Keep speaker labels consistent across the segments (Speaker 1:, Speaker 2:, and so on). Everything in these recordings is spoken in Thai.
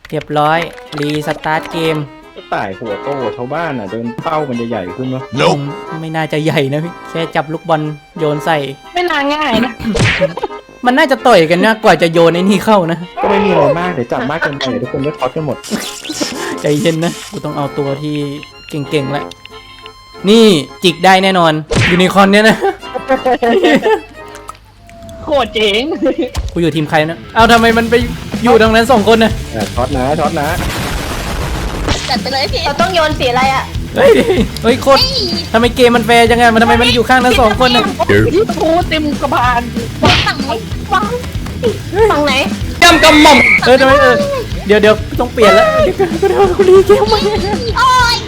Speaker 1: เรียบร้อยรีสตาร์ทเกม
Speaker 2: ก็ต่ายหัวโตชาวบ้านเดินเป้ามันจะใหญ่ขึ้นมั้ย
Speaker 1: ไม่น่าจะใหญ่นะพี่แค่จับลูกบอลโยนใส่
Speaker 3: ไม่น่าง่ายนะ
Speaker 1: มันน่าจะต่อยกันนะกว่าจะโยนไอ้นี่เข้านะ
Speaker 2: ก็ไม่มีอะไรมากเดี๋ยวจับมากเกินไปทุกคนก็ท็อตกันหมด
Speaker 1: ใจเย็นนะกูต้องเอาตัวที่เก่งๆแล้วนี่จิกได้แน่นอนยูนิคอร์นเนี่ยนะ
Speaker 3: โคตรเจ๋ง
Speaker 1: กูอยู่ทีมใครนะเอาทำไมมันไปอยู่ตรงนั้น2 คนนะ
Speaker 2: ช็อตนะ
Speaker 4: จัดไปเลยพี่
Speaker 3: เราต้องโยนสีอะไรอ่ะ
Speaker 1: เฮ้ยโคตรทำไมเกมมันแฟร์จังไงมันทำไมมันอยู่ข้างนั้น2 คนนะ
Speaker 3: ที่ทูเต็มกระบาล
Speaker 4: วางฝั่งไหนวาง
Speaker 3: ฝั่งไหน
Speaker 1: กำหม่อมทำไมเดี๋ยวต้องเปลี่ยนแล้วเดี๋ยวกูรีเกมใหม่
Speaker 4: โอ้ย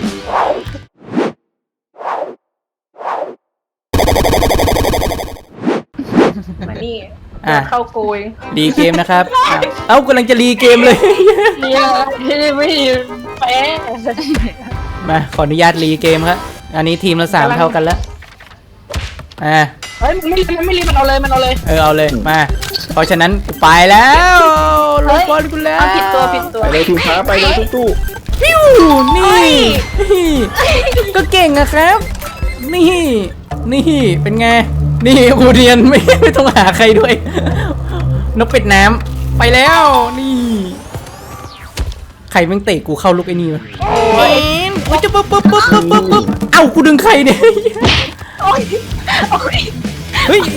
Speaker 3: มานี่
Speaker 1: อ่ะ
Speaker 3: เข้าโกย
Speaker 1: รีเกมนะครับเอ้ากำลังจะรีเกมเลย
Speaker 3: เนี่ยที่ไม่แพ้
Speaker 1: มาขออนุญาตรีเกมครับอันนี้ทีมละ3เท่ากันแล้วอ่า
Speaker 3: เฮ้ยมันไม่รีบมันเอาเลย
Speaker 1: เอาเลยมาเพราะฉะนั้นกูไปแล้วลูกบอลกูแล้ว
Speaker 3: เอาผิดตัว
Speaker 2: ไปเลยทีมฟ้าไปเลยตู้
Speaker 1: ปิ้วนี่ก็เก่งอะครับนี่เป็นไงนี่กูเรียนไม่ต้องหาใครด้วยนกเป็ดน้ำไปแล้วนี่ใครแม่งเตะกูเข้าลูกไอ้นี่วะโอ้ยจะปุ๊บเอ้ากูดึงใครเนี่ย
Speaker 3: โอ้ย
Speaker 1: เฮ้ย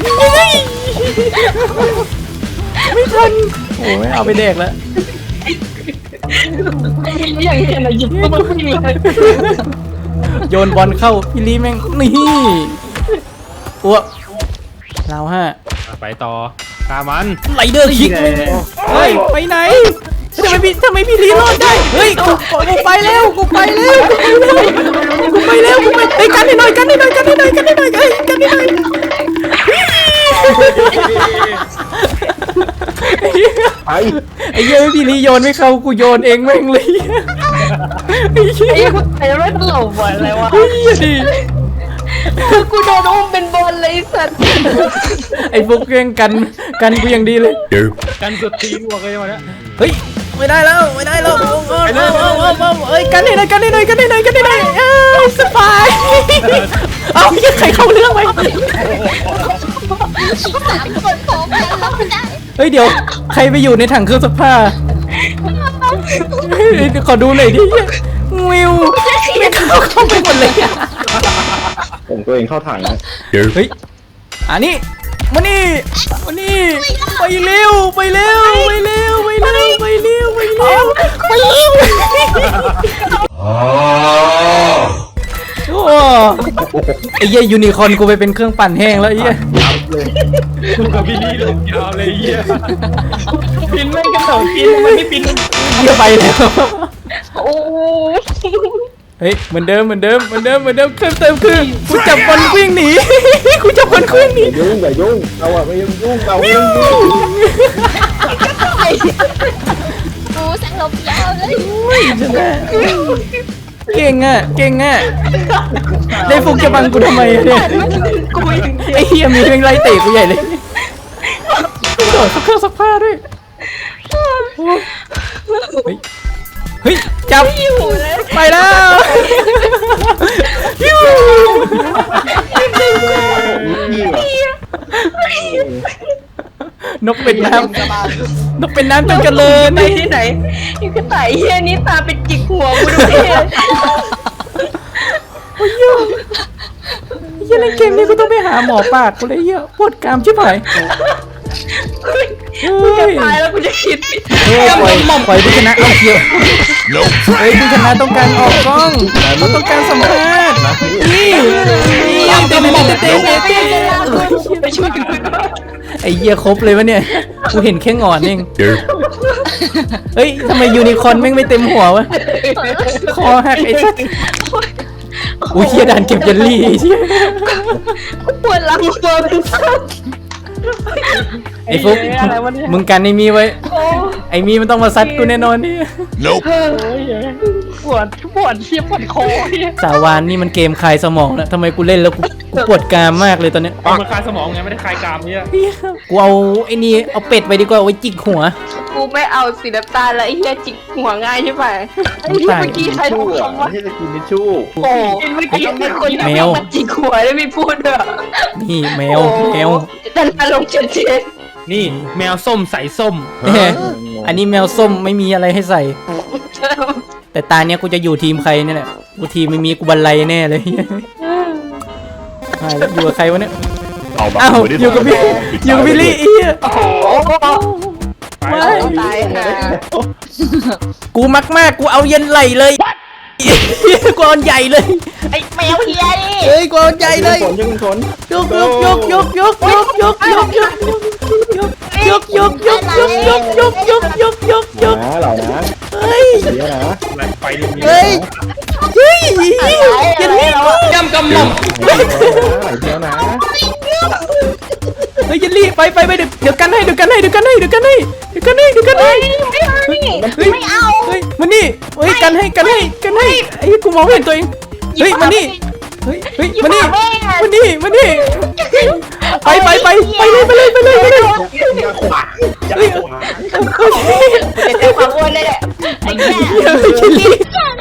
Speaker 1: ไม่ทันโอ้ยเอาไปแดกแล้ว
Speaker 3: ไม่อย่างเงี้ยนะหยิบก็มาขึ้นเลย
Speaker 1: โยนบอลเข้าพี่ลีแม่งนี่อ้วกเราฮะ
Speaker 5: ไปต่อตามมัน
Speaker 1: ไรเดอร์คิกแม่งเฮ้ยไปไหนทำไมพี่ลีรอดได้เฮ้ยกูไปแล้วไปกันให้หน่อยเฮ้ยกันให้หน่อยไอ้เหี้ยพี่ลีโยนไม่เข้ากูโยนเองแม่งเลยไอ้เหี้ย
Speaker 3: ไอ้คนไอ้ไม่ตลกบ่อยเลยวะ
Speaker 1: ดิ
Speaker 3: คือกูโดนอุ้มเป็นบอลเลยสัตว์
Speaker 1: ไอ้พวกเรื่องกันกูอย่างดีเลย
Speaker 5: กันสุดทีมวัวเลยวันนี้
Speaker 1: เฮ้ยไม่ได้แล้วเอ้ยกันให้หน่อยสบายเอาใครเข้าเรื่องไป
Speaker 4: 3 คนพร้อมกันแล้วไม่ได้
Speaker 1: เฮ้ยเดี๋ยวใครไปอยู่ในถังเครื่องซักผ้าขอดูหน่อยดิวิวไม่เข้าไปหมดเลย
Speaker 2: ผมตัวเองเข้าถังนะ
Speaker 1: เฮ้ยอันนี้มานี่ไปเร็วโอ้ไอ้เหี้ยยูนิคอร์นกูไปเป็นเครื่องปั่นแห้งแล้วไอ้เหี้ย
Speaker 5: กูกับพี่นี่เลยยาวเลยเยี่ย
Speaker 3: ปินไม่กระโดดปินมันไม่ปิน
Speaker 1: เหี้ยไปแล้ว
Speaker 3: โอ้
Speaker 1: เฮ้ยเหมือนเดิมเติมคือกูจับบอลวิ่งหนีกูจับบอลวิ่งหนี
Speaker 2: อย่ายุ่งเราอะไม่ยุ่งเราไม่ยุ่ง
Speaker 4: กูแสงลมยาวเลย
Speaker 1: เก่งอ่ะได้ฟุกจะบังกูทำไมเนี่ย
Speaker 3: กูอย่าง
Speaker 1: ไอ้เหี้ยมีเพลงไล่เตะกูใหญ่เลยโดดเครื่องซักผ้าด้วยเฮ้ยจับ
Speaker 3: อยู่เลย
Speaker 1: ไปแล้วนกเป็นน้ำจงเจริญ
Speaker 3: ไปที่ไหนอยู่กระต่ายเฮียนี่ตาเป็นจิกหัวกูดูเฮีย
Speaker 1: เหี้ยในเกมนี้กูต้องไปหาหมอปากกูเลยเหี้ยปวดกรามชิบหาย
Speaker 3: กูจะตายแล้วกูจะคิด
Speaker 1: ปล่อยผู้ชนะเอาเชียวผู้ชนะต้องการออกกล้องเขาต้องการสัมภาษณ์นี่เต้
Speaker 3: ไปช่วยกัน
Speaker 1: ไอ้เหี้ยครบเลยวะเนี่ยกูเห็นแค่งอนเองเฮ้ยทำไมยูนิคอร์นแม่งไม่เต็มหัววะคอหักไอ้สัสอุ้ยเหี้ยด่านเก็บเยลลี่เหี้ย
Speaker 3: ปวดหลังปวดเป็นสัตว์
Speaker 1: ไอ้ฟุกมึงกันไอ้มีไว้ไอ้มีมันต้องมาซัดกูแน่นอนนี่
Speaker 3: ปวดเชี่ยปวดคอเนี่ย
Speaker 1: สาวานนี่มันเกมคลายสมองนะทำไมกูเล่นแล้วกูปวดกรามมากเลยตอนเนี้ย
Speaker 5: เอามาคลายสมองไงไม่ได้คลายกรามเนี่ย
Speaker 1: กูเอาไอ้นี่เอาเป็ดไปดีกว่าเอาไว้จิกหัว
Speaker 3: กูไม่เอาสีน้ำตาลแล้วไอ้เหี้ยจิกหัวง่ายใช่ไหมไอ้เหี้ยเมื่อกี้ใครพูดคำว่า
Speaker 2: ไม่ใช่สกินทิชชู่
Speaker 3: โอ้เมื่อกี้เป็นคนที่มันจิกหัวแล้วไม่พูดด้วย
Speaker 1: นี่แมวแมว
Speaker 3: แต่ละลงเจ็ด
Speaker 5: นี่แมวส้มใส่ส้ม
Speaker 1: เอ้ยอันนี้แมวส้มไม่มีอะไรให้ใส่ แต่ตาเนี้ยกูจะอยู่ทีมใครเนี่ยแหละกูทีมไม่มีกูบันไลแน่เลยหายแล้วอยู่กับใครวะเนี่ย
Speaker 6: เอาบั
Speaker 1: อ้าว
Speaker 6: มืที่
Speaker 1: อยู่กับพี่
Speaker 6: 3
Speaker 1: อยู่กับพี่ลี่เอี้ย
Speaker 3: โอ้โห
Speaker 1: ไม่
Speaker 3: ตายห่า
Speaker 1: กูมักมากกูเอาเย็นไหลเลยกูเอาใหญ่เลย
Speaker 3: ไอ้แมวเฮียนี่
Speaker 1: เฮ้ยกูเอาใหญ่เลย
Speaker 2: ฝนยังฝน
Speaker 1: ยกยกยกยกยกยกยกยกยกยกยกยกยกยกยกยกยกยก
Speaker 2: นะเหล่านะ
Speaker 1: เฮ้ย
Speaker 2: เสียนะ
Speaker 5: อะไรไปนี่มี
Speaker 1: เฮ้ยเฮ้ยเย็นลี่กู
Speaker 5: ยำกำหม่อม
Speaker 2: ไหลเสียนะ
Speaker 1: เฮ้ยเย็นลี่ไปเดี๋ยวกันให้เดี๋ยวกันให้กันให้กันให้ไม่เอาเฮ้ยมานี่เฮ้ยกันให้ไอ้กูมองไม่เห็นตัวเองเฮ้ยมานี่เฮ้ยมานี่ไปเลย
Speaker 2: อย่าขวางอย่าขวาง
Speaker 3: เจ็บความอ้วนเลยแหละไอ้แก่
Speaker 1: เย็นลี่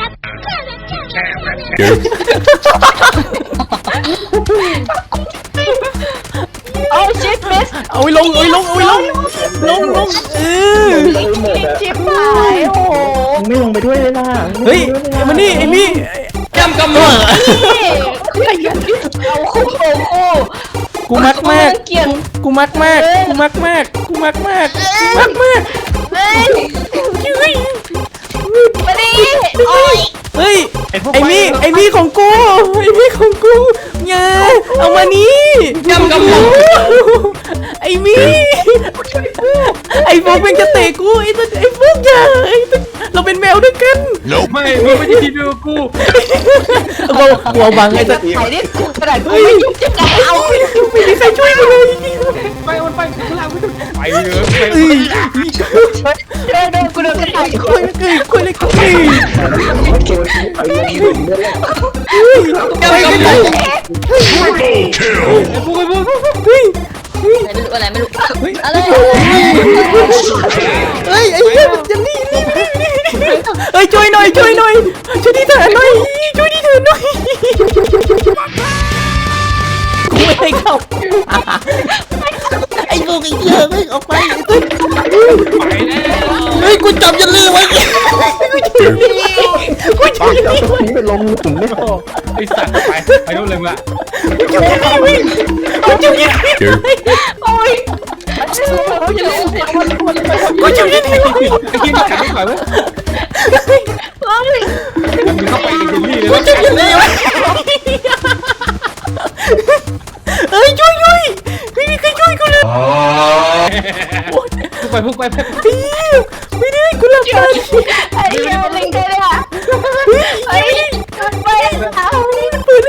Speaker 3: โอ้ชิปเมส
Speaker 1: เอาไว้ลงเออ
Speaker 2: หมดอะ
Speaker 3: ชิปหายโอ้โห
Speaker 2: มึงไม่ลงไปด้วยเลยล่ะ
Speaker 1: เฮ้ยมานี่ไอ้มี่
Speaker 5: ยำกำหม่อม
Speaker 3: เอาคู่
Speaker 1: กูมักมาก
Speaker 3: เกี่ยง
Speaker 1: กูมักมาก
Speaker 3: เฮ้ย
Speaker 1: เฮ้ย
Speaker 3: มาดิโอ้ย
Speaker 1: เฮ้ยไอ้มี่ของกูเนี่ยเอามานี่
Speaker 5: ยำกำหม่อม
Speaker 1: ไอ้มี่ไอ้พวกมันจะเตะกูไอ้พวกอย่าเราเป็นแมวด้วยกัน
Speaker 5: ไม่มึงไม่ใช่ทีมเดียวกับกู
Speaker 1: กูเอาบังไอ้ตัว
Speaker 3: ไอ้นี่กระดาษกูไม่ยุ่งจะกันเอา
Speaker 1: ไม่มีใครช่วยกูเลย
Speaker 5: ไปมันไปข้างล่างไปเลย
Speaker 1: เอ้ย
Speaker 3: เดินกูเดินกระดาษ
Speaker 1: คุยเลยกู
Speaker 2: ตัวที่ไปลงหลุมเนี่ยแหละ
Speaker 1: ไปกันเลย
Speaker 5: พวกไอ้พวก
Speaker 1: เฮ้ย
Speaker 4: อะไรไม่รู้
Speaker 1: เฮ้ย
Speaker 4: อะไร
Speaker 1: เฮ้ยไอ้เหี้ยมันจะนี่เฮ้ยช่วยหน่อยช่วยดีเถอะหน่อยช่วยดีเถอะหน่อยกูไม่ให้เข้าไอ้พวกไอ้เหี้ยเฮ้ยออกไปเฮ้ยกูจับยันลือไว้กูจับยัน
Speaker 2: เอา
Speaker 1: ลือ
Speaker 2: ตัวนี้ไปลงหลุมไม่พอ
Speaker 5: ไอ้สัตว์ไปนู่นเลยมึงละ
Speaker 1: กูจับยันลือโอ้ยกูจับยันลือ
Speaker 5: ไอ้ที่มันขัดไม่ไหวเว้ยมึงเข้าไปในเจลลี่เลย
Speaker 1: กูจับยันลือเฮ้ยช่วยไม่มีใครช่วยกูเลย
Speaker 5: พวกไป
Speaker 1: ไม่ได้กูหลับตา
Speaker 3: ไอ้เหี้ยมันลิงได้เลยอ่ะไอ้ไปเอา
Speaker 1: เปิดเลย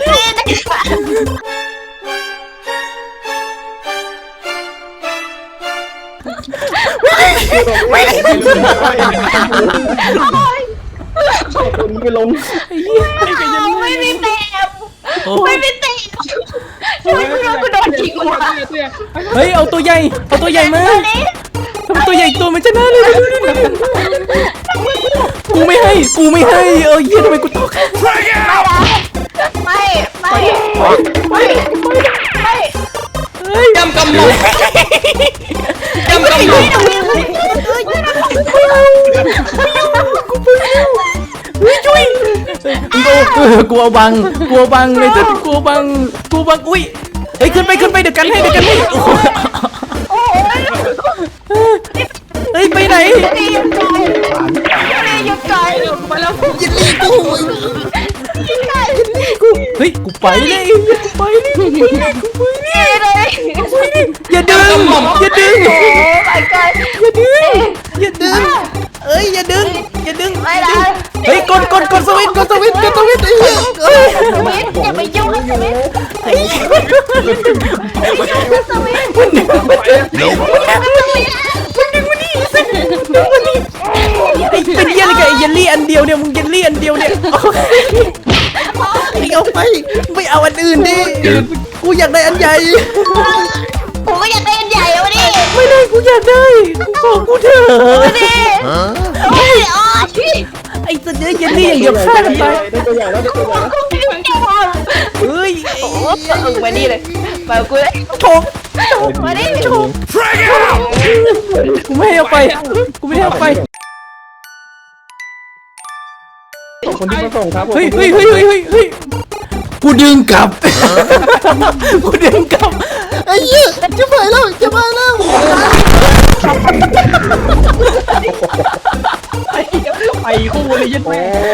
Speaker 2: ตัวนี้ไปลง
Speaker 3: ไม่มีเต็มไม่มีเต็มช่วยกูด้วยกูโดนจิกหัว
Speaker 1: เฮ้ยเอาตัวใหญ่มาทำตัวใหญ่ตัวมันจะน่าเลยกูไม่ให้เออเยี่ยทำไมกูตก
Speaker 3: ไม่ไม่
Speaker 1: เฮ้ย
Speaker 5: ยำกำหม่อมยำกำหม่อม
Speaker 1: ช่วยกูเอาบังเลยจ้ะกูบังอุ้ยเฮ้ยขึ้นไปเดี๋ยวกันให้เฮ้ยไปไหน
Speaker 3: หยุดก่อนไปแล้ว
Speaker 1: ยันลี่กูเฮ้ยกูไปเลยอย่าดึง
Speaker 3: โอ้ my god
Speaker 1: เอ้ยอย่าดึง
Speaker 3: ไม่ละ
Speaker 1: เฮ้ยกดสวิตช์ไอ้เหี้ย
Speaker 3: สวิตอย่าไปยุ่งกับสวิต
Speaker 1: ไอ้เหี้ย
Speaker 3: สวิต
Speaker 1: มันดึงมานี่ไอ้เป็นเหี้ยอะไรกับไอ้เยลลี่อันเดียวเนี่ยมึงเยลลี่อันเดียวเนี่ยไอ้เอาไปไม่เอาอันอื่นดิกูอยากได้อันใหญ่
Speaker 3: ผมก็อยากได้อันใหญ่วะดิ
Speaker 1: ไม่ได้กูอยากได้กูบอกกูเถอะ
Speaker 3: ดิโอ้ยอ๋อที่
Speaker 1: ไอ้ตัวเนี้ยเยลลี่อย่างเดียวฆ่ากันไป
Speaker 2: ได้ตัวใหญ่แล้วได้ตัวใหญ่แล้ว
Speaker 3: กูไม่ได้แกพอ
Speaker 1: เฮ้ย
Speaker 3: โอ้มานี่เลยมากูเลย
Speaker 1: โชก
Speaker 3: มาดิ
Speaker 1: กูไม่ให้เอาไปกูไม่ให้เอาไป
Speaker 2: ขอบคุณที่มาส่งครับ
Speaker 1: เฮ้ยกูดึงกลับกูดึงกลับไอ้เหี้ยจะไปแล้วจะไปแล้ว
Speaker 5: ไปคู่เลยยัด
Speaker 2: โอ้
Speaker 5: แม่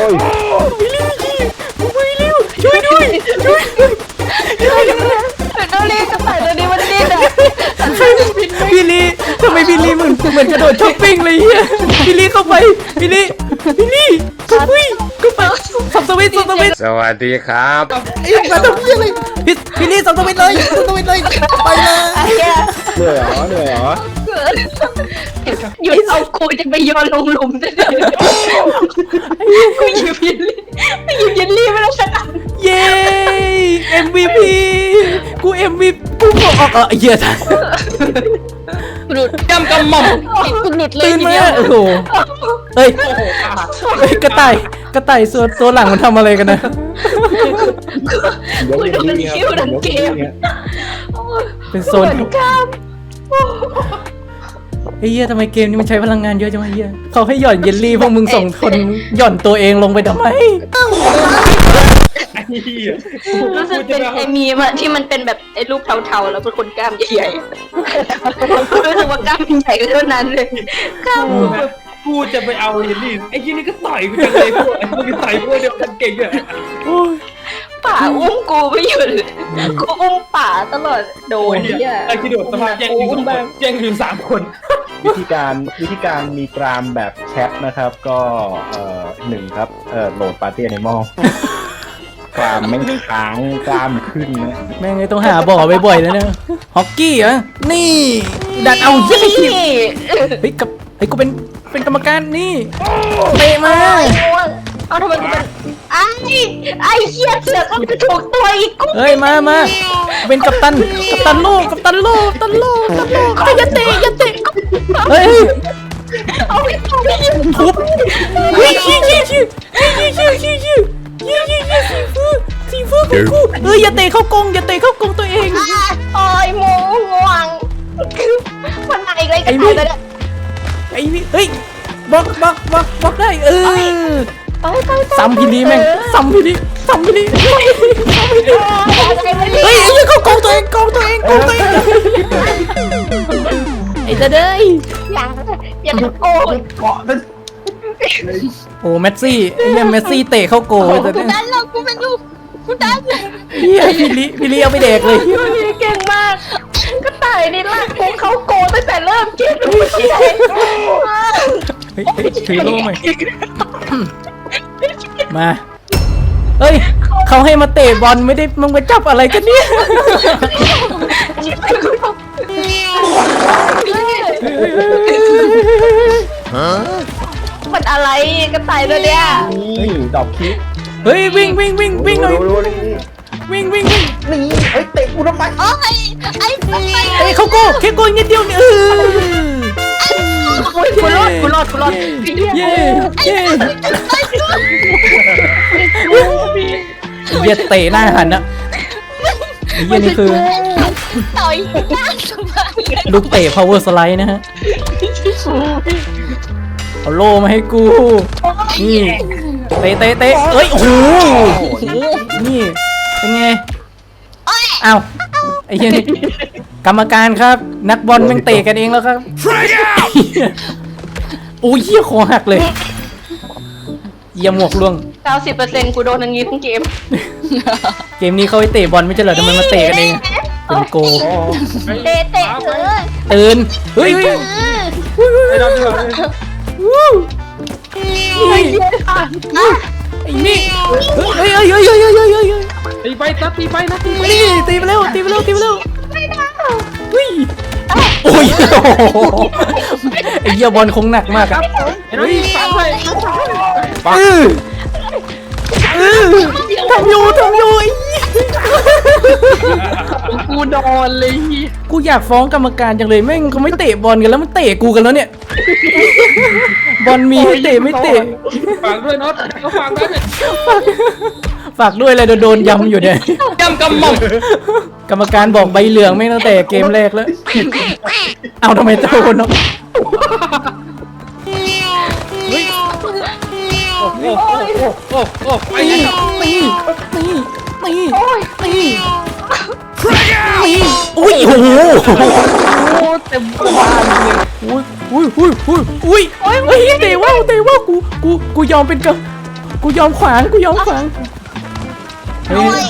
Speaker 2: ย
Speaker 1: ช่วยด้วยช่วยด้วย
Speaker 3: ต้องรีบกระต่ายตัวนี้มันดิ้นอ่ะ
Speaker 1: พี่ลีทำไมพี่ลีเหมือนกระโดดช้อปปิ้งเลยเฮียพี่ลีเข้าไปพี่ลีเข้าไปสับสวิตช์
Speaker 5: สวัสดีครับ
Speaker 1: ไอ้มาทำเฮียอะไรพี่ลีสับสวิตช์เลยไปเลย
Speaker 3: ไอ้เหี้ย
Speaker 2: เหนื่อยเหรอ
Speaker 3: หยุดเอากูจะไปโยนลงหลุมซะเลยกูหยิบเยลลี่ไม่ต้องชนะ
Speaker 1: เย้ MVP กู MVP กูบอกเฮีย
Speaker 4: หลุดกำหม่อมกูหลุดเลย
Speaker 1: ตื่น
Speaker 4: ที
Speaker 1: มา
Speaker 4: เดียว
Speaker 1: โอ้โหเฮ้ยกระต่ายตัวหลังมันทำอะไรกันนะ
Speaker 2: เดี๋ยวอย่างนี้ครับ
Speaker 1: เป็นโซนไอ้เหี้ยทำไมเกมนี้มันใช้พลังงานเยอะจังวะเหี้ยเขาให้หย่อนเยลลี่พวกมึงส่งคนหย่อนตัวเองลงไปทำไม
Speaker 3: รู้สึกเป็นไอ้มีมที่มันเป็นแบบไอ้รูปเทาๆแล้วเป็นคนกล้ามใหญ่ๆรู้สึกว่ากล้ามใหญ่ก็เท่านั้นเลยกล้ามแบบ
Speaker 5: กูจะไปเอายันนี่ไอ้ยี่นี่ก็ต่อยกูจังเลยพวกไอ้พวกนี้ต่อยพวกเดียวกันเก่งอะ
Speaker 3: ป่าอุ้มกูไม่หยุดกูอุ้มป่าตลอดโดนเนี่ย
Speaker 5: ไอ้ที่โดดสมาแย่งอยู่2 คนแย่งอยู่3 คน
Speaker 2: วิธีการมีกรามแบบแชทนะครับก็หนึ่งครับโหลดปาร์ตี้แอนิมอลกรามไม่ค้างกรามขึ้นนะ
Speaker 1: แม่งไงต้องหาบ่อบ่อยๆแล้วเนี่ยฮอกกี้เหรอนี่ดันเอาเยี่ยไอ้ทีมเฮ้ยกับไอ้กูเป็นกรรมการนี่เตะมา
Speaker 3: เอาทำไมกูเป็นไอ้เหี้ยเสือกเอากระถูกตัวอีกกู
Speaker 1: เฮ้ยมาเป็นกัปตันโลกเฮ้ยอย่าเตะเฮ้ย
Speaker 3: เอาไป
Speaker 1: ทุบเฮ้ยชี้สีฟูของกูเฮ้ยอย่าเตะเข้ากรงตัวเอง
Speaker 3: โอ้ยหมูง่วงมันมาอีกเลยกันเลยเนี่ย
Speaker 1: ไอ้นี่เฮ้ยบล็อกได้ซ้ำพี่ลีแม่งซ้ำพี่ลีเฮ้ยเข้ากรงตัวเองไอ้เด้ย
Speaker 3: อย่าตะโกน
Speaker 1: โอ้เมสซี่ไอ้เนี่ยเมสซี่เตะเข้าโกแต่
Speaker 3: กูดันหรอกกูเป็นลูกกูดัน
Speaker 1: เฮียพี่ลีเอาไปเด็กเลย
Speaker 3: เก่งมากก็ตายนี่ลากกูเขาโกตั้งแต่เริ่มเกมไม่ใช่
Speaker 1: เฮ้ยถือโล่หน่อยมาเฮ้ยเขาให้มาเตะบอลไม่ได้มึงมาจับอะไรกันเนี่ย
Speaker 3: มันอะไรก็ตายตัวเนี้ย
Speaker 2: นี่ดอกคิก
Speaker 1: เฮ้ยวิ่งหน่อยวิ่ง
Speaker 2: นี่ เฮ้ยเตะกูทำไม
Speaker 3: โอ้ยไอ้
Speaker 1: เฮ้ยเขาโกแค่โกนิดเดียวเนี่ย
Speaker 3: กูรอด
Speaker 1: เย้เหี้ยเตะหน้าหันนะเหี้ยนี่คือ
Speaker 3: ต่อยหน้าสบาย
Speaker 1: ลูกเตะ power slide นะฮะเอาโล่มาให้กูนี่เตะเอ้ยโอ้โหนี่เป็นไงอ้าวไอ้เหี้ยนี่กรรมการครับนักบอลแม่งเตะกันเองแล้วครับโอ้ยเหี้ยคอหักเลยเยี่ยมหมวกล่วง
Speaker 3: 90%กูโดนอย่างงี้ทั้งเกม
Speaker 1: เกมนี้เขาไปเตะบอลไม่ใช่เหรอทำไมมาเตะกันเองเป็นโก
Speaker 3: เตะเลย
Speaker 1: ตื่นเฮ้ย
Speaker 5: ไอ้ดำเดือด
Speaker 1: ไอ้นี่เฮ้ย
Speaker 5: ตีไปนะ
Speaker 1: นี่ตีไปเร็วเฮ้ยโอ้ยโอ้โหไอ้เหี้ยบอลคงหนักมากอะ
Speaker 5: เฮ้ยฟังเลย
Speaker 1: อื้อทำอยู่ไอ้เหี้ย
Speaker 4: กูโดนเลยเฮีย
Speaker 1: กูอยากฟ้องกรรมการจังเลยแม่งเขาไม่เตะบอลกันแล้วมันเตะกูกันแล้วเนี่ยบอลมีให้เตะไม่เตะ
Speaker 5: ฟังด้วยน็อตก็ฟังด้วยเนี่ย
Speaker 1: ฝากด้วยเลยโดนยำอยู่เนี่ย
Speaker 4: ย่ำกำหม่อม
Speaker 1: กรรมการบอกใบเหลืองไม่งตั้งแต่เกมแรกแล้วเอาทำไมโดนเนาะ
Speaker 5: โอ้โหโอ้โหไป
Speaker 1: นี่
Speaker 5: เลยครับ
Speaker 1: นี่นี่นี่นี่อุ้ยโอ้โห
Speaker 4: โอ้เต็มบ้านเลย
Speaker 1: อุ้ยเตะว่าวกูยอมเป็นกูยอมขวางเฮ้ย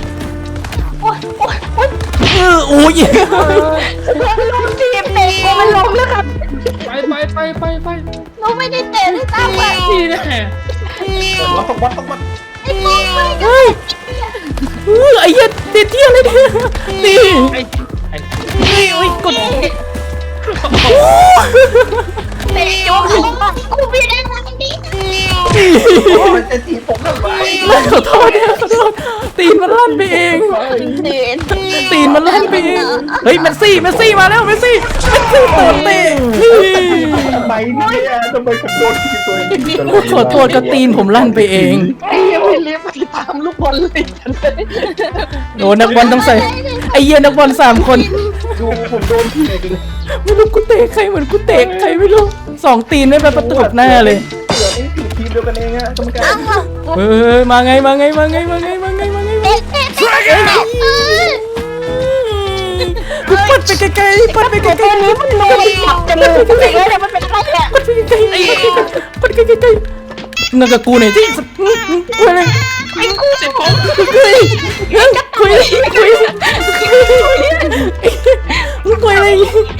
Speaker 1: โอ้ย
Speaker 3: ล้มทีมเตะกูมันล้มแล้วครับ
Speaker 5: ไป
Speaker 3: เราไม่ได้เตะด้วยซ้ำอ่ะ
Speaker 5: นี่แน่
Speaker 2: เราต้องวัด
Speaker 3: ไอ้กูไม่
Speaker 1: เฮ้ยไอ้เหี้ยเตะเที่ยงเลยเนี่ยนี่
Speaker 5: ไอ้
Speaker 1: โอ้ยกด
Speaker 3: เตะโจ๊กกูไม่ได้ทำดิ
Speaker 2: มันจะจีบผมทำไม
Speaker 1: ขอโทษตีนมันลั่นไปเอง
Speaker 3: เดิน
Speaker 1: ตีนมันลั่นไปเองเฮ้ยเมสซี่มาแล้วเมสซี่โดนเตะนี่
Speaker 2: ทำไมเนี่ยทำไมผมโดนทีมตัวเอง
Speaker 1: ขอโทษก็ตีนผมลั่นไปเอง
Speaker 4: ไอ้เฮียไม่เลี้ยงไปตามลูกบอลเลยฉันเลย
Speaker 1: โดนนักบอลต้องใส่ไอ้เหี้ยนักบอล3 คน
Speaker 2: ดูผมโดนทีมเลย
Speaker 1: ไม่รู้กูเตะใครเหมือนกูเตะใครไม่รู้2 ตีนไม่ไปประตูหน้าเลย
Speaker 2: เดี๋ยวนี้ทีมเดียวกันเองอะกรรมการ
Speaker 1: เฮ้ยมาไง
Speaker 3: เตะ
Speaker 1: กูปัดไปไกลๆปัดไปไกลๆ
Speaker 3: นี้มันโดนจับจมูกเตะเลยมันเป็นอะไรเนี่ย
Speaker 1: ปัดไปไกลๆปัดไปไกลๆนั่นกับกูหน่อยที่กูอะไร
Speaker 3: ไอ้กู
Speaker 4: เจ็บของ
Speaker 1: คุยอะไร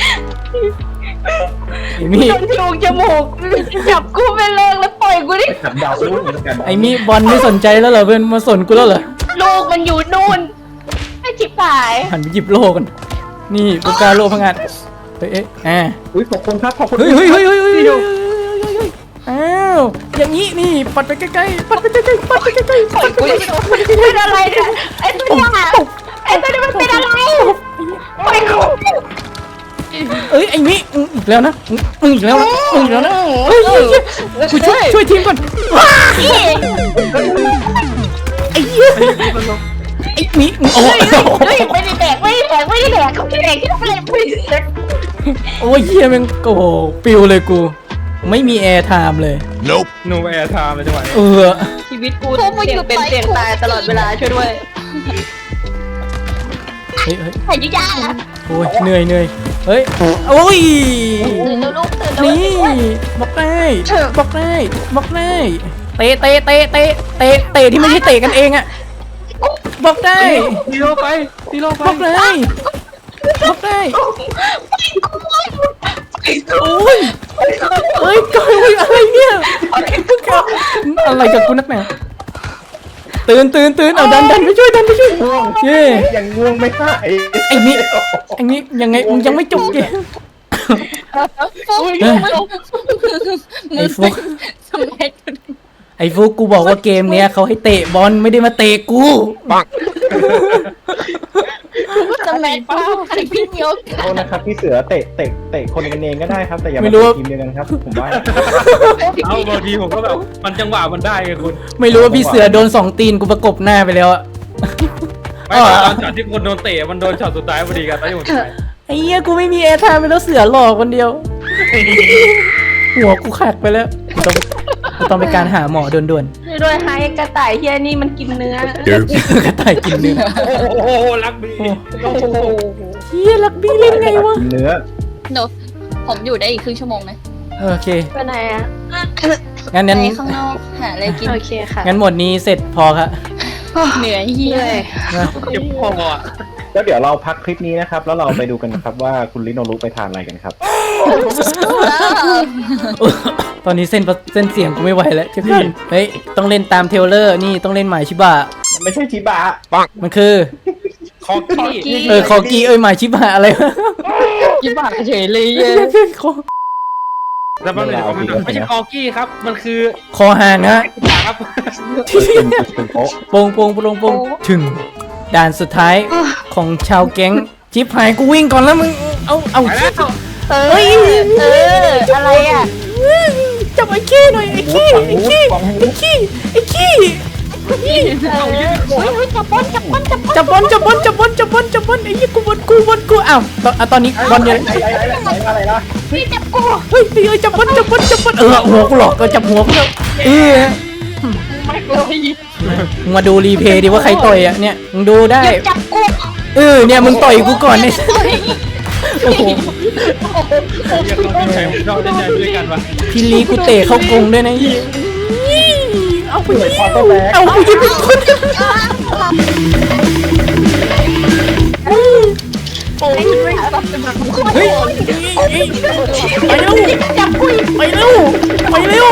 Speaker 1: ไอ้มี่
Speaker 3: โดนจูงจมูกจับกูไปเลยแล้วปล่อยกูดิ
Speaker 2: ขัดดาวรุ่นเหมือนกัน
Speaker 1: ไอ้มี่บอลไม่สนใจแล้วเหรอเพื่อนมาสนกูแล้วเหรอ
Speaker 3: ลูกมันอยู่นู่นไอ้จิ๋วหาย
Speaker 1: หันไปหยิบโลกันนี่กูกาโลพังงานเฮ้ย
Speaker 2: อุ้ยขอบคุณครับขอบคุณ
Speaker 1: เฮ้ยอ้าวอย่างนี้นี่ปัดไปใกล้ๆปัดไปใกล้ๆปัดไปใกล้ๆปัดไปใกล้ๆ
Speaker 3: เป็นอะไรเนี่ยไอ้ตัวนี้ไอ้ตัวนี้มันเป็นอะไรปล่อยกู
Speaker 1: เอ้ยไอ้นี่อีกแล้วนะอีกแล้วนะเฮ้ยกูช่วยทีมก่อนไอ้เหี้ยไอ้นี่โอ้
Speaker 3: ไม่ได้แดกเขาไม่ได้แดกที่ทำอะไรไม่ได้
Speaker 1: โอ้ยเหี้ยแม่งโอ้โหปิวเลยกูไม่มีแอร์ไทม์เลย
Speaker 5: โนแอร์ไทม์เลยจังหวะนี้
Speaker 3: ชีวิตกูเสี่ยงเป็นเสี่ยงตายตลอดเวลาช่วยด้วย
Speaker 1: เฮ้ย
Speaker 3: หายยากนะ
Speaker 1: โอ้ยเหนื่อยเฮ้ยโอ้ย
Speaker 3: ตื่นแล้วลูกตื่นแล้ว
Speaker 1: นี่บอกได้เตะที่ไม่ใช่เตะกันเองอะบอกได้
Speaker 5: ตีโลไป
Speaker 1: บอกได้โอ้ยเฮ้ยก้อยอะไรเนี่ยอะไรกับกูนักหนาตื่นเอาดันไปช่วยเย่
Speaker 2: ยังง่วงไม่ได้
Speaker 1: ไอ้นี่ยังไงมึงยังไม่จบเกมไอ้ฟุกกูบอกว่าเกมเนี้ยเขาให้เตะบอลไม่ได้มาเตะกู
Speaker 3: จะแมนป้าใครพี่เดียว
Speaker 2: โทษนะครับพี่เสือเตะคนกันเองก็ได้ครับแต่อย่ามาทีมเดียวกันครับผมว่า
Speaker 5: เอาบางทีผมก็แบบมันจังหวะมันได้ไงคุณ
Speaker 1: ไม่รู้ว่าพี่เสือโดน2 ตีนกูประกบหน้าไปแล้วอะ
Speaker 5: ไม่ตอนช็อตที่คนโดนเตะมันโดนช็อตสุดท้ายพอดีกันตอนที่ผมถ่าย
Speaker 1: ไอ้เหี้ยกูไม่มีแอร์ไทม์ไปแล้วเสือหลอกคนเดียว หัวกูขาดไปแล้วต้องไปการหาหมอด่วน
Speaker 3: ช่วยด้วยหายกระต่ายเฮียนี่มันกินเนื้อ
Speaker 1: ๆกระต่ายกินเนื้อ
Speaker 5: โอ้โหรักดี
Speaker 1: เฮียรักบี้เล่นไงวะ
Speaker 2: เนื้อ
Speaker 4: หนูผมอยู่ได้อีกครึ่งชั่วโมงไหม
Speaker 1: โอเค
Speaker 3: ไปไหนอ่ะ
Speaker 1: งั้น
Speaker 4: ไปข้างนอกหาอะไรกิน
Speaker 3: โอเคค่ะ
Speaker 1: งั้นหมดนี้เสร็จพอครับ
Speaker 4: เหนื่อยเฮีย
Speaker 5: เจ็บคออ่ะ
Speaker 2: แล้วเดี๋ยวเราพักคลิปนี้นะครับแล้วเราไปดูกันนะครับว่าคุณลิโนรุไปทานอะไรกันครับ
Speaker 1: ตอนนี้เส้นเสียงกูไม่ไหวแล้วจะขึ้นเฮ้ยต้องเล่นตามเทรลเลอร์นี่ต้องเล่นหมายชิบะ
Speaker 2: ไม่ใช่ชิบะ
Speaker 1: มันคือ
Speaker 5: คอกี้
Speaker 1: คอกี้หมายชิบหายอะไรวะ
Speaker 4: ยิ้มปากเฉยเลยเย้
Speaker 5: แต่มันไม่ใช่คอกี้ครับ มันคือ
Speaker 1: คอห่างฮะ
Speaker 5: ครับ
Speaker 2: เป็นโป๊ะ
Speaker 1: โปงโปงโปงโปงถึงด่านสุดท้ายของชาวแก๊งชิบหายกูวิ่งก่อนแล้วมึงเอา
Speaker 5: ไปแล้ว
Speaker 3: เฮ้ยอะไรอ่ะ
Speaker 1: จับไอ้ขี้หน่อยไอ้ขี้ไอ้ขี้ไอ้ขี้ไอ้ขี้
Speaker 3: จับบอลจับบอลจับบอล
Speaker 1: จับบอลจับบอลจับบอลจับบอลจับบอลไอ้ยี่กูบอลกูอ้าวตอนนี้บอลยัง
Speaker 2: อะไรนะ
Speaker 3: พี่จับกู
Speaker 1: เฮ้ยจับบอลหัวกูหลอกก็จับหัวกูแล้ว
Speaker 3: ไม่เลย
Speaker 1: มึงมาดูรีเพย์ดิว่าใครต่อยอ่ะเนี่ยมึงดูได้
Speaker 3: จับกู
Speaker 1: เนี่ยมึงต่อยกูก่อนเนี่ยโอ้โห
Speaker 5: เรียกเราใช้เราได้ใจด้วยกันวะ
Speaker 1: พี่ลีกูเตะเข้ากรงด้วยนะเอาไปยิงเอาไปยิงเป็นคน
Speaker 3: โอ้ย
Speaker 1: เฮ้ยไปเร็ว
Speaker 3: จับกู
Speaker 1: ไปเร็วเฮ้ย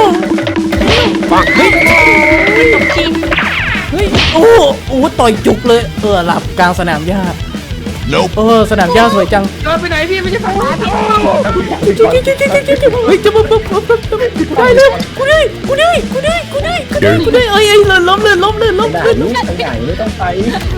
Speaker 1: โอ้ต่อยจุกเลยหลับกลางสนามหญ้าสนามหญ้าสวยจัง
Speaker 5: เดินไปไหนพี่ไม่ใช่ฝั่ง
Speaker 1: เฮ้ยจะมาได้เลยกูได้เอ้ยล้มเลย
Speaker 2: ด่านนี้ไปใหญ่ไม่ต้องไป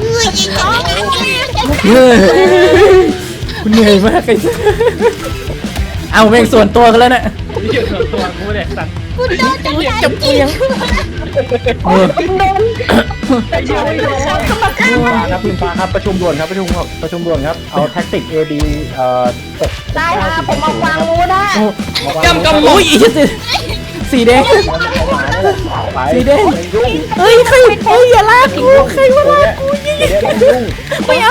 Speaker 1: กูเหนื่อยมากไอ้เอาแม่งส่วนตัวกันแล้วนะ
Speaker 5: เกี่ยวกับตัวกูเนี่ยสัตว์
Speaker 1: จับเอียง
Speaker 2: ครับคุณฟ้าครับประชุมด่วนครับประชุมด่วนครับเอาแท็กติก AD
Speaker 3: ได้ค่ะผมมาวางงูได้
Speaker 4: กำกำหม
Speaker 1: โอ้
Speaker 4: ด
Speaker 1: ยสีแดงสีแดงเฮ้ยใครอย่าลากกูใครมาลากกูไม่เอา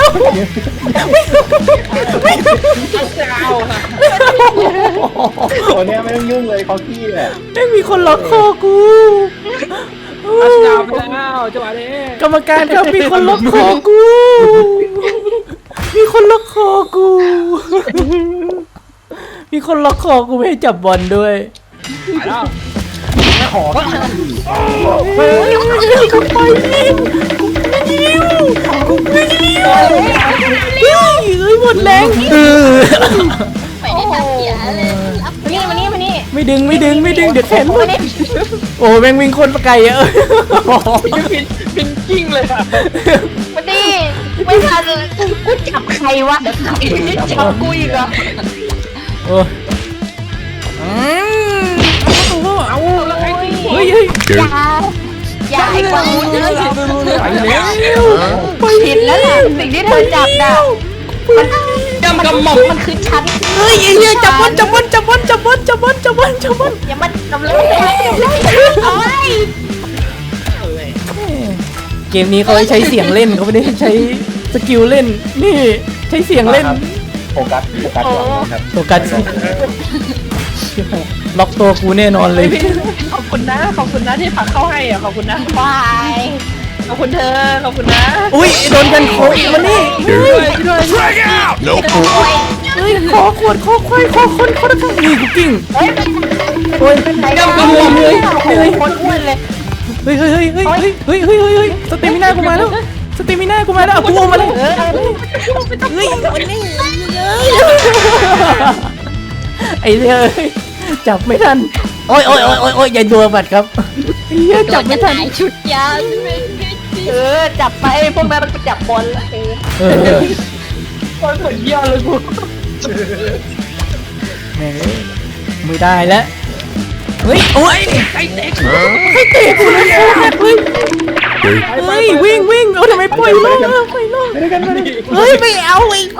Speaker 2: ตัวเนี้ยไม่ต้องยุ่งเลยคอกี้แหละ
Speaker 1: ไม่มีคนล็อกคอกู
Speaker 5: อัสดาวไปแล้วจังหวะนี้
Speaker 1: กรรมการครับมีคนล็อกคอกู มีคนล็อกคอกู มีคนล็อกคอกูไม่ให้จับบอลด้วย
Speaker 5: ไปแล้ว
Speaker 2: ขอ
Speaker 1: เฮ้ยกูไปยิงกูไม่ยิงเฮ้ยหมดแรง
Speaker 3: ไม่ได้ตัดเสียเลยมานี่
Speaker 1: ไม่ดึงเดี๋ยวแขนหมดโอ้แม่งวิ่งคนประไกลอะ
Speaker 4: เป็นกิ้งเลยอะ
Speaker 3: มาดิไม่ทันกูจับใครวะจับกูอีกเหรอ
Speaker 1: โอ้เอาแล้วเฮ้ย
Speaker 3: อย่าให้กูเจอ
Speaker 1: ไปแล้ว
Speaker 3: ผิดแล้วแหละสิ่งที่เธอจับน่ะมัน
Speaker 4: กำกำหมด
Speaker 3: มันคือฉัน
Speaker 1: เฮ้ยจับบอลอย่ามันกำลัง
Speaker 3: เอาไว้
Speaker 1: เกมนี้เขาใช้เสียงเล่นเขาไม่ได้ใช้สกิลเล่นนี่ใช้เสียงเล่น
Speaker 2: โฟกัสก่อนครับ
Speaker 1: โฟกัสล็อกตัวกูแน่นอนเลย
Speaker 4: ขอบคุณนะที่ผักเข้าให้อ่ะขอบคุณนะ
Speaker 3: วาย
Speaker 4: ขอบคุณเธอขอบคุณนะ
Speaker 1: อุ้ยโดนกันโคอีกมานี่เฮ้ยขอขวดขอควายขอคนขอตะกั่งนี่กูกิ้ง
Speaker 3: เฮ้ย
Speaker 1: โอ้ย
Speaker 3: กำลังเลยคนอ้วนเลย
Speaker 1: เฮ้ยสเตมิน่ากูมาแล้วเอากูมาแล้วเฮ้ยไอ้เหี้ยจับไม่ทันโอ้ยอย่าดัวบัดครับเหี้ยจับไม่ทัน
Speaker 3: ชุดยาวจับไปพวกนั้นมันจับบอลละ
Speaker 4: คนเหมือนเยี่ยเลยกู
Speaker 1: แม่งไม่ได้แล้วเฮ้ยโอ้ยใครเตะกูเลยเฮ้ยวิ่งเอาทำไมปล่อยล่องเฮ้ยไม่เอาอีก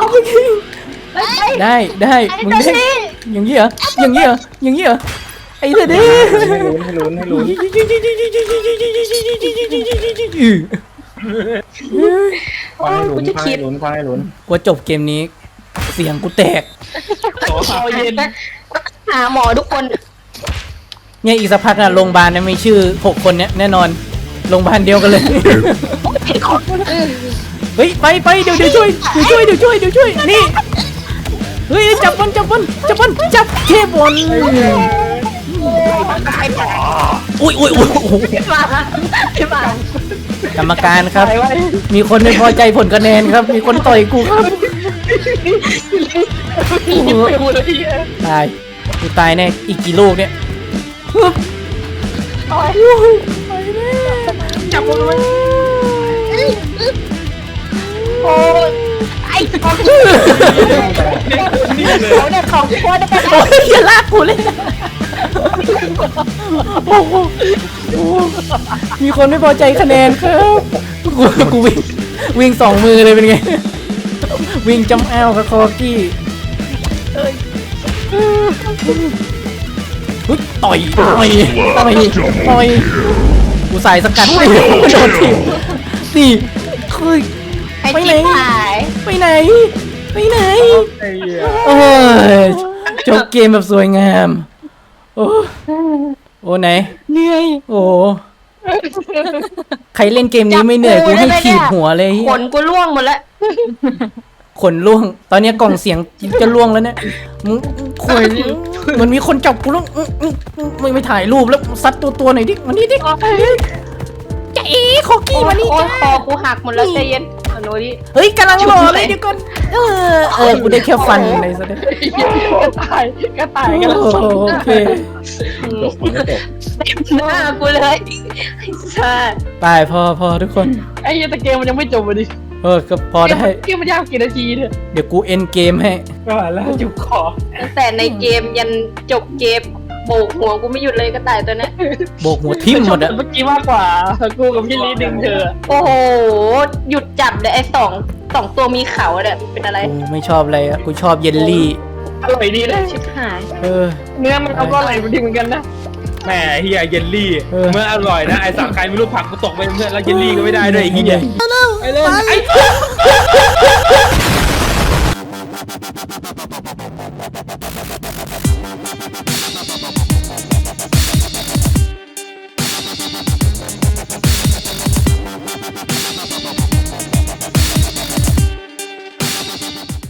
Speaker 1: ได้มึงได้อย่างนี้เหรอไอ้เด็ด
Speaker 2: ให้ลุ้น ฟังให้ลุ้น
Speaker 1: กูจบเกมนี้เสียงกูแตก
Speaker 4: เอาเย็น
Speaker 3: หาหมอทุกคน
Speaker 1: เนี่ยอีกสักพักน่ะโรงพยาบาลเนี่ยมีชื่อ6คนเนี่ยแน่นอนโรงพยาบาลเดียวกันเลยเฮ้ยไปเดี๋ยวช่วยนี่เฮ้ยจับบอลจับเทบอลอุ้ย
Speaker 3: มา
Speaker 1: กรรมการครับ
Speaker 5: ตายไว้
Speaker 1: มีคนไม่พอใจผลคะแนนครับ มีคนต่อยกูครับ
Speaker 5: ยิงไปหมดเลย
Speaker 1: ตายกูตายแน่อีกกี่ลูกเนี่ยฮึบ
Speaker 5: จับมันไว้
Speaker 3: โอ้ยไอ้ของ
Speaker 5: นี่เลย
Speaker 3: เขาเนี่ยของโคตรได้
Speaker 1: โอ้ยอย่าลากกูเลยโอ้โหโอ้โหมีคนไม่พอใจคะแนนครับกูวิ่งสองมือเลยเป็นไง วิ่งจำอ้าวกับคอกี้เฮ้ยต่อยกูใส่สกัดไม่โดนทีนี่คือ
Speaker 3: ไอ้
Speaker 1: ไปไหน
Speaker 3: จิ๊บหาย
Speaker 1: ไปไหน ไปไหน
Speaker 2: ไอ้เหี้ย
Speaker 1: โอ้ยจบเกมแบบสวยงาม โอ้ไหน
Speaker 3: เหนื่อย
Speaker 1: โอ้ใครเล่นเกมนี้ไม่เหนื่อยกูให้ขีดหัวเลย
Speaker 3: ขนกูร่วงหมดแล้ว
Speaker 1: ขนล่วง ตอนนี้กล่องเสียงจะล่วงแล้วเนี่ยมึงคุยมันมีคนจับกูแล้วไม่ถ่ายรูปแล้วซัดตัวหน่อยดิวันนี้ดิจะเอ๋ขอกี้วันนี้
Speaker 3: โอ้ยคอกูหักหมดแล้วใจเย็นเอาโน้ดิ
Speaker 1: เฮ้ยกำลังรอเลยเดี๋ยวก่อนกูได้แค่ฟันเลยซะด้วย
Speaker 5: ก็ตายกันแล้ว
Speaker 1: โอเค
Speaker 2: จบมันก็จบ
Speaker 3: เต็มหน้ากูเลยไอ้สัส
Speaker 1: ไปพอทุกคน
Speaker 5: ไอ้เหี้ยแต่เกมมันยังไม่จบเลยดิ
Speaker 1: ก็พอได้
Speaker 5: เกมมันยากกี่นาทีเนี่ย
Speaker 1: เดี๋ยวกูเอ็นเกมให้
Speaker 5: ก็แล้วจุกคอ
Speaker 3: ตั้งแต่ในเกมยันจบเกมโบกหัวกูไม่หยุดเลยก็ตายตัวนั้น
Speaker 1: โบกหัวทิ่มหมดอะ
Speaker 5: เมื่อกี้มากกว่ากูกับพี่ลีดึงเธอ
Speaker 3: โอ้โห หยุดจับเลยไอ้สองตัวมีเขาเนี่ยเป็นอะไร
Speaker 1: กูไม่ชอบอะไรอะกูชอบเยลลี่
Speaker 5: อร่อยดีเลย
Speaker 3: ชิบหาย
Speaker 5: เนื้อมันเอาก็อร่อยดีเหมือนกันนะ
Speaker 4: แหมเฮียเยลลี่
Speaker 1: เออ
Speaker 4: เมื่ออร่อยนะไอ้สังใครไม่รู้ผักกูตกไปเพื่อนแล้วเยลลี่ก็ไม่ได้ด้วยไอ้เฮีย
Speaker 1: ไปเลย